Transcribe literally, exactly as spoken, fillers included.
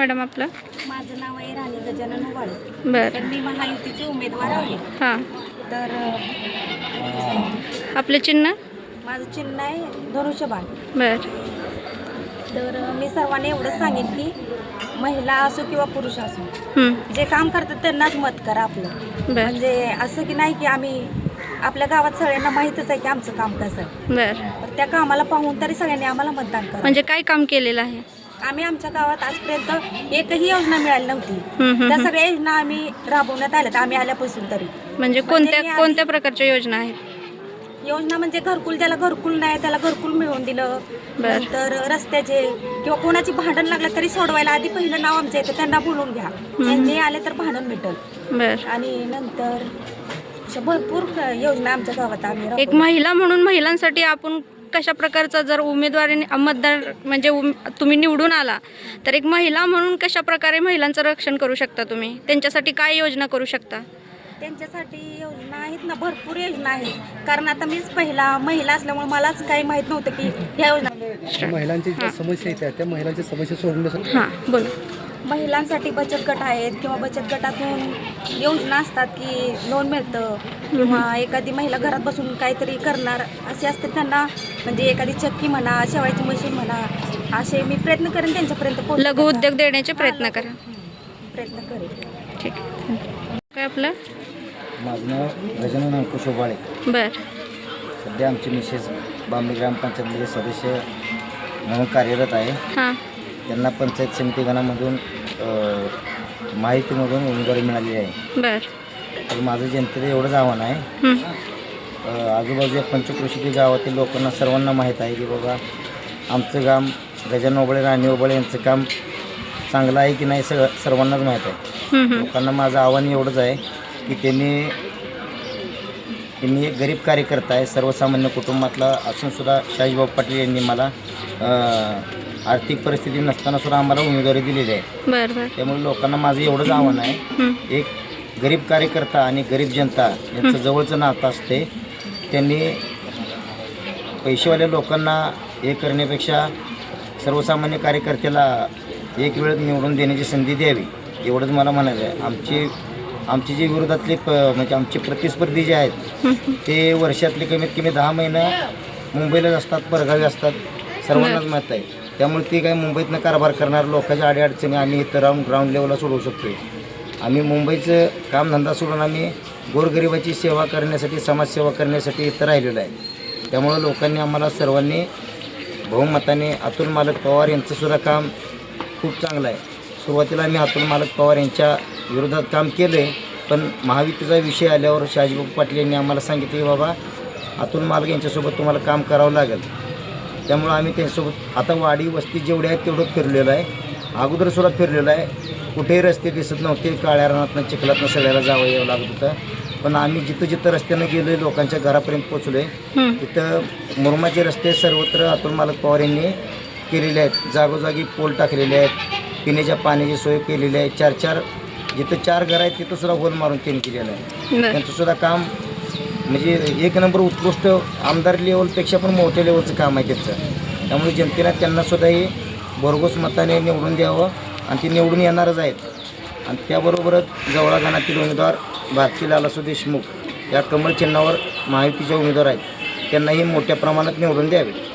Madam आपलं? माझं नाव आहे राणी गजानन उबाळे. बरं. तर मी महायुतीचे उमेदवार आहे. हां. तर आपलं चिन्ह? माझं चिन्ह आहे धनुष्यबाण. बरं. तर मी सर्वांनी एवढंच सांगेन की महिला असो किंवा पुरुष असो, हं. जे काम करतात त्यांनाच मत करा आपलं. बरं. म्हणजे असं की नाही की आम्ही आपल्या गावात सगळ्यांना माहीतच आहे की आमचं काम कसं आहे. बरं. तर त्या कामाला पाहून तरी सगळ्यांनी आम्हाला मतदान करा. म्हणजे काय काम केलेलं आहे? आम्ही आमच्या गावात आजपर्यंत एकही योजना मिळाली नव्हती. हं, हं, त्या हं. सगळ्या योजना आम्ही राबवण्यात आल्यात आम्ही आल्यापासून तरी. म्हणजे कोणत्या कोणत्या प्रकारच्या योजना आहेत? योजना म्हणजे घरकुल, ज्याला घरकुल नाही त्याला घरकुल मिळवून दिलं. बरं. नंतर रस्त्याचे किंवा कोणाची भांडण लागलं तरी सोडवायला आधी पहिलं नाव आमचं येतं, त्यांना बोलवून घ्या. त्यांनी आले तर भांडण मिटल. बरं. आणि नंतर अशा भरपूर योजना आमच्या गावात आम्ही एक राबवल्या. महिला म्हणून महिलांसाठी आपण कशा प्रकारचा जर उमेदवारी मतदार म्हणजे उम तुम्ही निवडून आला तर एक महिला म्हणून कशा प्रकारे महिलांचं रक्षण करू शकता तुम्ही? त्यांच्यासाठी काय योजना करू शकता? त्यांच्यासाठी योजना आहेत ना, भरपूर योजना आहेत. कारण आता मीच पहिला महिला असल्यामुळे मलाच काही माहीत नव्हतं की ह्या योजना. महिलांची ज्या समस्या आहेत त्या महिलांच्या समस्या सोडवण्यासाठी हां बोला. महिलांसाठी बचत गट आहेत किंवा बचत गटातून योजना असतात की लोन मिळतं किंवा एखादी महिला घरात बसून काहीतरी करणार असे असते त्यांना, म्हणजे एखादी चक्की म्हणा, शेवायची मशीन म्हणा, असे मी प्रयत्न करेन त्यांच्यापर्यंत पोहोच- लघु उद्योग देण्याचे प्रयत्न करा. प्रयत्न करेन. ठीक आहे. काय आपलं? माझं नाव गजानन अंकुश उबाळे. बरं. सध्या आमची मिसेस बांबे ग्रामपंचायतमध्ये सदस्य म्हणून कार्यरत आहे. हां. त्यांना पंचायत समिती गणामधून माहितीमधून उमेदवारी मिळालेली आहे. बरं. तर माझं जनतेचं एवढंच आव्हान आहे, हं. अ, आजूबाजूच्या पंचक्रोशीतील गावातील लोकांना सर्वांना माहीत आहे की बाबा आमचं काम गजानन उबाळे, राणी उबाळे यांचं काम चांगलं आहे की नाही सगळं सर्वांनाच माहीत आहे. हं, हं. लोकांना माझं आव्हान एवढंच आहे की त्यांनी त्यांनी एक गरीब कार्यकर्ता आहे, सर्वसामान्य कुटुंबातला असूनसुद्धा शाहीबाब पाटील यांनी मला आर्थिक परिस्थिती नसताना सुद्धा आम्हाला उमेदवारी दिलेली आहे. बरं बरं. त्यामुळे लोकांना माझं एवढंच आव्हान आहे, हं. एक गरीब कार्यकर्ता आणि गरीब जनता यांचं जवळचं नातं असते. त्यांनी पैसेवाल्या लोकांना हे करण्यापेक्षा सर्वसामान्य कार्यकर्त्याला एक वेळ निवडून देण्याची संधी द्यावी, एवढंच मला म्हणायचं आहे. आमची आमची जी विरोधातले प म्हणजे आमचे प्रतिस्पर्धी जे आहेत ते वर्षातले कमीत कमी दहा महिनं मुंबईलाच असतात, परगावी असतात, सर्वांनाच माहीत आहे. त्यामुळे ते काही मुंबईतनं कारभार करणार लोकांच्या अडीअडचणी आम्ही इथं राहून ग्राउंड लेवलला सोडवू शकतो. आम्ही मुंबईचं कामधंदा सोडून आम्ही गोरगरिबाची सेवा करण्यासाठी, समाजसेवा करण्यासाठी इथं राहिलेलो आहे. त्यामुळं लोकांनी आम्हाला सर्वांनी बहुमताने अतुल मालक पवार यांचंसुद्धा काम खूप चांगलं आहे. सुरुवातीला आम्ही अतुल मालक पवार यांच्या विरोधात काम केलं आहे, पण महायुतीचा विषय आल्यावर शाहजीबाबू पाटील यांनी आम्हाला सांगितले की बाबा अतुल मालक यांच्यासोबत तुम्हाला काम करावं लागेल. त्यामुळं आम्ही त्यांच्यासोबत आता वाडी वस्ती जेवढे आहेत तेवढं फिरलेलं आहे. अगोदरसुद्धा फिरलेलं आहे. कुठेही रस्ते दिसत नव्हते, काळ्या रानातनं चिखलातनं सगळ्याला जावं यावं लागत होतं. पण आम्ही जिथं जिथं रस्त्यानं गेलो आहे लोकांच्या घरापर्यंत पोचलो आहे. तिथं मुरुमाचे रस्ते सर्वत्र अतुल मालक पवार यांनी केलेले आहेत. जागोजागी पोल टाकलेले आहेत, पिण्याच्या पाण्याची सोय केलेली आहे. चार चार जिथं चार घरं आहेत तिथंसुद्धा होल मारून त्यांनी केलेलं आहे. त्यांचंसुद्धा काम म्हणजे एक नंबर उत्कृष्ट आमदार लेवलपेक्षा पण मोठ्या लेवलचं काम आहे त्यांचं. त्यामुळे जनतेला त्यांनासुद्धा हे भरघोस मताने निवडून द्यावं आणि ते निवडून येणारच आहेत. आणि त्याबरोबरच जवळा गणातील उमेदवार भारती लालासू देशमुख या कमळ चिन्हावर महायुतीचे उमेदवार आहेत, त्यांनाही मोठ्या प्रमाणात निवडून द्यावे.